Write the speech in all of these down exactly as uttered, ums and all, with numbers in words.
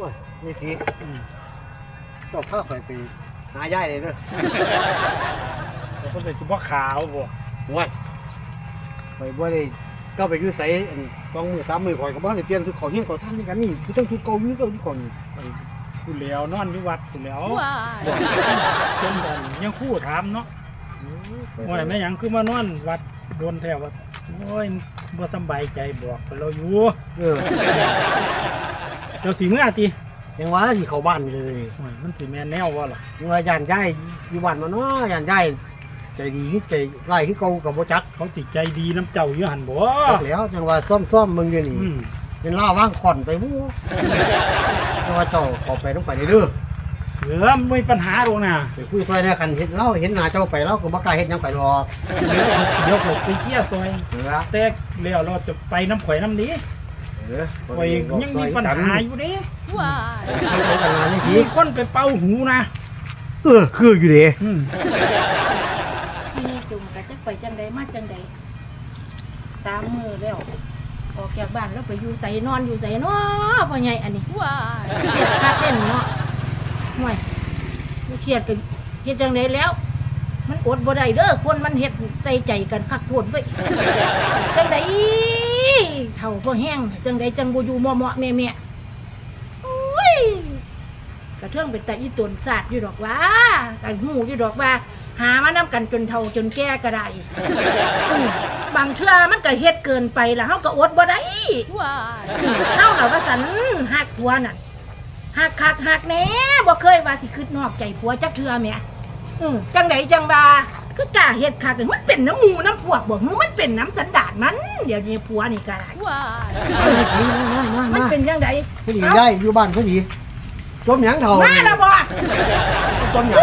อ้ยนี่สิเจ้าข้าไปไปหาย่ายเลยเด้อแล้วก็ไปสิบ่ขาวบ่ว้ยไปบ่ได้ก็ไปอยู่ไสอันสองมือสามมือข่อยก็บ่ได้เปลี่ยนคือของเฮียนของท่านนี่กันนี่คือต้องทุกเก่าอยู่เก่าอยู่ก่อนกูเหลียวนอนอยู่วัดกูเหลียวจนกันยังคู่ถามเนาะว่าแม่หยังคือมานอนวัดโดนแท้ว่าโอ้ยบ่สบายใจบอกเราอยู่เออเจ้าสิเมื่อติยังว่าสิเข้าบ้านเลยโอ้ยมันสิแม่นแนวบ่ล่ะยังว่าย่านย่ายอยู่บ้านมาเนาะย่านย่ายใจดีใจไล่คือเก่าก็บ่จักเขาสิใจดีน้ำเจ้าอยู่หั่นบ่จักแล้วจังว่าซ่อมๆมึงอยู่นี่อืมเป็นล่าว่างขอนไปบู๊จังว่าเจ้าเข้าไปต้องไปเด้อเหลือไม่มีปัญหาหรอกนะไปคุยซอยในคันเห็นเราเห็นหน้าเจ้าไปเราก็บ่กล้าเฮ็ดหยังไปหรอกเดี๋ยวผมไปเชี่ยซอยเออแต่แล้วเราจะไปน้ำข่อยน้ำนี้เออข่อยยังมีปัญหาอยู่เด้ว้าเขากันงานนี่สิมีคนไปเป่าหูนะเออคืออยู่เด้อืมมีจุ่มกะจักไปจังใดมาจังใดสามมือแล้วออกจากบ้านแล้วไปอยู่ใส่นอนอยู่ใส่เนาะพ่อใหญ่อันนี้ว้าเครียดคักเล่นเนาะห่วยบ่เครียดกันเฮ็ดจังไดแล้ว มันอดบ่ได้เด้อคนมันเฮ็ดใส่ใจกันคักโพดไว้ยจังไดเฒ่าบ่แห้งจังไดจังบ่อยู่เหมาะๆแม่ๆโอ้ยกระเทืองเป็นแต่อีตนศาสตร์อยู่ดอกว่ากันหูอยู่ดอกว่า หามานํกันจนเฒ่าจนแก่ก็ได้อือบางเทื่อมันก็เฮ็ดเกินไปแล้วเฮาก็อดบ่ได้ว้าเฮาน่ะว่าซั่นฮักผัวน่ะฮักคักฮักแหน่บ่เคยว่าสิคิดนอกใจผัวจักเทื่อแหมอือจังไดจังว่าคือกล้าเฮ็ดคักมันเป็นน้ำหมูน้ำพวกบ่หือมันเป็นน้ำสันดานมันเดี๋ยวนี้ผัวนี่ก็ได้ว้ามันเป็นจังไดพอดีย่ายอยู่บ้านพอดีจมหยังเฒ่ามาแล้วบ่จมหยัง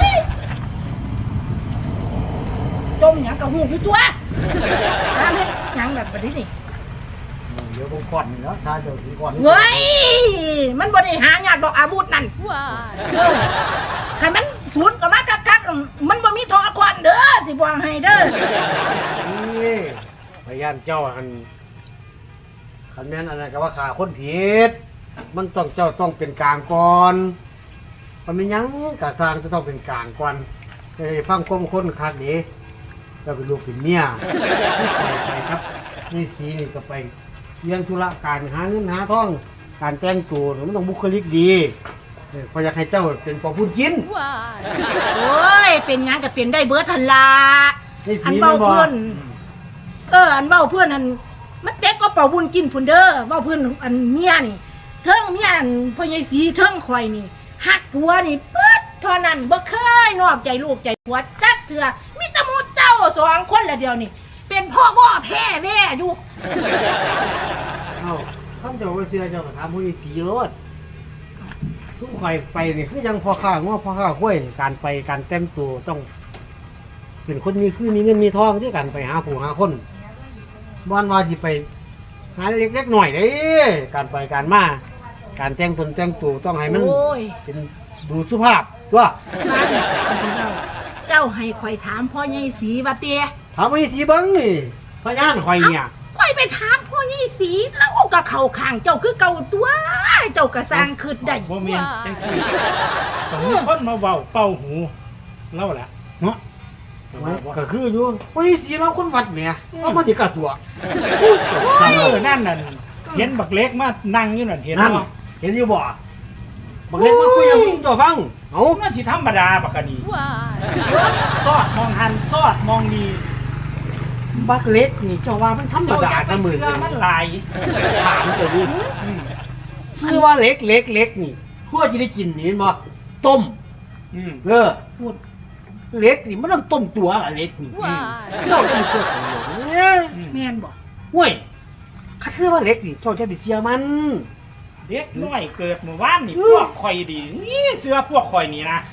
จมหยังกับหูอยู่ตัวตามเฮ็ดหยังแบบนี้นี่เดี๋ยวผมก่อนนี่แล้วถ้าเจ้าสิก่อนเฮ้ยมันบ่ได้หายากดอกอาวุธนั่นเออคันมันศูนย์ก็มากักๆมันบ่มีทองควันเด้อสิบอกให้เด้อนี่พยานเจ้าอันคันแม่นอันนั้นก็ว่าขาคนผิดมันต้องเจ้าต้องเป็นกลางก่อนมันมีหยังกะสร้างจะต้องเป็นกลางก่อนจะได้ฟังความคนคักดีเจ้าเป็นลูกเป็นเมียไปไปครับนี่สีนี่ก็ไปเลี้ยงธุระการหาเงินหาทองการแต่งตัวมันต้องบุคลิกดีเออพออยากให้เจ้าเป็นปอพูดกินโอ้ยเป็นหยังก็เป็นได้เบิดทันละนี่อันสีเบามันบ่เพื่อนเอออันเบาเพื่อนอันมันเต็กก็เป่าบุญกินพุ่นเด้อเบาเพื่อนอันเมียนี่เทิงเมียอันพ่อใหญ่สีเทิงข่อยนี่หักผัวนี่เปิดเท่านั้นบ่เคยนอกใจลูกใจผัวจักเถื่อมีแตะมูเจ้าสองคนละเดียวนี่เป็นพ่อบ่อแพ้แม่อยู่เอ้าท่านเจ้าว่าเสียเจ้าก็ถามผู้นี้สีรถทุกข่อยไปนี่คือยังพอข้าง้อพอข้าห้วยการไปการแต่งตัวต้องเป็นคนมีคือมีเงินมีทองที่กันไปหาผู้หาคนบ้านว่าสิไปหาเล็กๆหน่อยเด้การไปการมาการแต่งตนแต่งตัวต้องให้มันโอ้ยเป็นดูสุภาพตัวเจ้าให้ข่อยถามพ่อใหญ่สีว่าเตี้ยถามผู้นี้สีเบิ้งนี่พยานข่อยเนี่ยข่อยไปถามพ่อใหญ่สีแล้วเอาก็เข้าข้างเจ้าคือเก่าตัวเจ้าก็สร้างขึ้นได้บ่แม่นจังซี่ต้องมีคนมาเว้าเป่าหูเล่าล่ะเนาะก็คืออยู่ผู้นี้สีเราคนวัดแหม่เรามาติกาตัวเออนั่นน่ะเห็นบักเล็กมานั่งอยู่นั่นเห็นนั่นบ่เห็นอยู่บ่บักเล็กมาคุยกับมึงเจ้าฟังเอามันสิธรรมดาบักกะนีซอดมองหันซอดมองนี่บักเล็กนี่เจ้าว่ามันธรรมเจ้าอดายากไปเสมอเสื้อมันหลายถามเจ้าดิอืมชื่อว่าเล็กเล็กเล็กนี่เพื่อจะได้กินนี่เห็นบ่ต้มอืมเออพูดเล็กนี่มันต้องต้มตัวอะเล็กนี่เจ้าต้องเชื่อผมเนี่ยแม่นบอกห้วยข้าเชื่อว่าเล็กนี่เจ้าจะไปเสียมันเด็กน้อยเกิดเมื่อวานนี่พวกข่อยดีนี่เสื้อพวกข่อยนี่นะ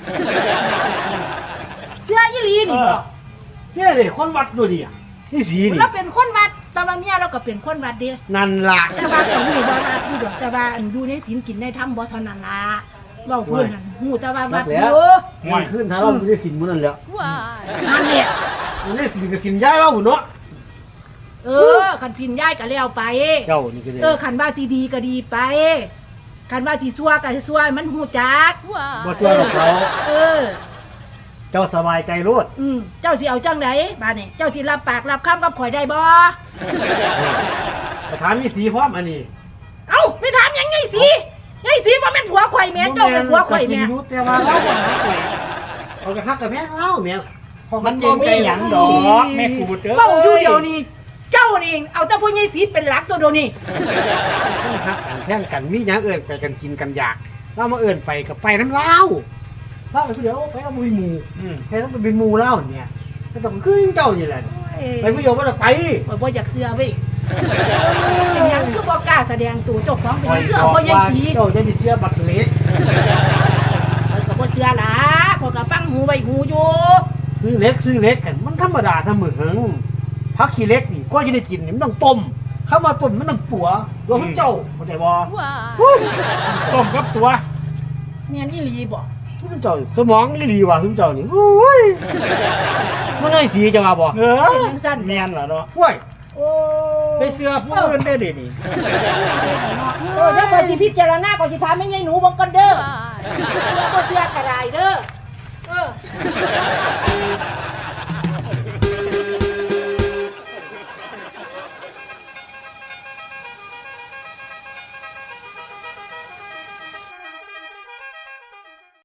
เสื้อยี่ลีเอนี่บออกเนี่ยเลยคนวัดดูดิอ่ะนี่สีนี่เราเป็นคนวัดแต่ว่าเมียเราก็เป็นคนวัดเดียนั่นล่ะแต่ว่าก็หูว่าวัดอยู่ดอกแต่ว่าอันอยู่ในศีลกินในธรรมบ่เท่านั้นล่ะเว้าเพิ่นนั่นหูแต่ว่าวัดอยู่มันขึ้นถ้าเราไม่ได้สินมันนั่นแหละนั่นแหละมันได้สินกับสินย้ายเราหุ่นเนาะเออคันสินย้ายก็แล้วไปเจ้านี่ก็เลยเออคันว่าสิดีก็ดีไปคันว่าสิซัวก็สิซัวให้มันฮู้จักบ่ตัวหรอกเขาเออเจ้าสบายใจโลดอืมเจ้าสิเอาจังไดบาดนี้เจ้าสิรับปากรับคำกับข่อยได้บ่สถานมีสีพร้อมอันนี้เอ้าไม่ถามหยังไงสิไงสิบ่แม่นผัวข่อยแม่เจ้าเป็นผัวข่อยแม่ก็กินอยู่แต่ว่าเราบ่หาข่อยเอากระทักกับแม่เล่าแม่พอมันเก่งใจหยังดอกแม่กูเด้อเว้าอยู่เดียวนี้เจ้านี่เอาแต่ผู้ใหญ่สีเป็นหลักตัวเดียวนี้ทักกันแท่งกันมีหยังเอิ้นไปกันกินกันอยากเรามาเอิ้นไปกับไปน้ำเล่าเล่าไปผู้เดียวไปเราบ่มีหมู่อืมแค่ต้องเป็นหมู่เล่าเนี่ยก็ต้องคือเจ้านี่แหละไปผู้เดียวบ่ได้ไปข่อยบ่อยากเชื่อเว้ยเป็นหยังคือบ่กล้าแสดงตัวเจ้าของเป็นหยังคือบเอาอกผู้ใหญ่ว่าสีเจ้าจะมีเชื่อบัตรเล็กข่อยก็บ่เชื่อล่ะข่อยก็ฟังหูไว้หูอยู่ซื้อเล็กซื้อเล็กกันมันธรรมดาเสมอพักขี้เล็กนี่ก็จะได้กินนี่มันต้องต้มเข้ามาต้มมันต้องปัวตัวคุณเจ้าเข้าใจบ่ต้มกับตัวแม่นอีหลีบ่คุณเจ้าสมองอีหลีว่ะคุณเจ้านี่โอ้ยมันได้สีจะมาบ่เออแม่นเหรอเนาะห้วยโอ้ไปเสื้อผู้อื่นได้ดินี่เออเดี๋ยวข่อยสิพิจารณาข่อยสิถามแม่ใหญ่หนูเบิ่งก่อนเด้อเชื่อบ่เชื่อก็ได้เด้อเออ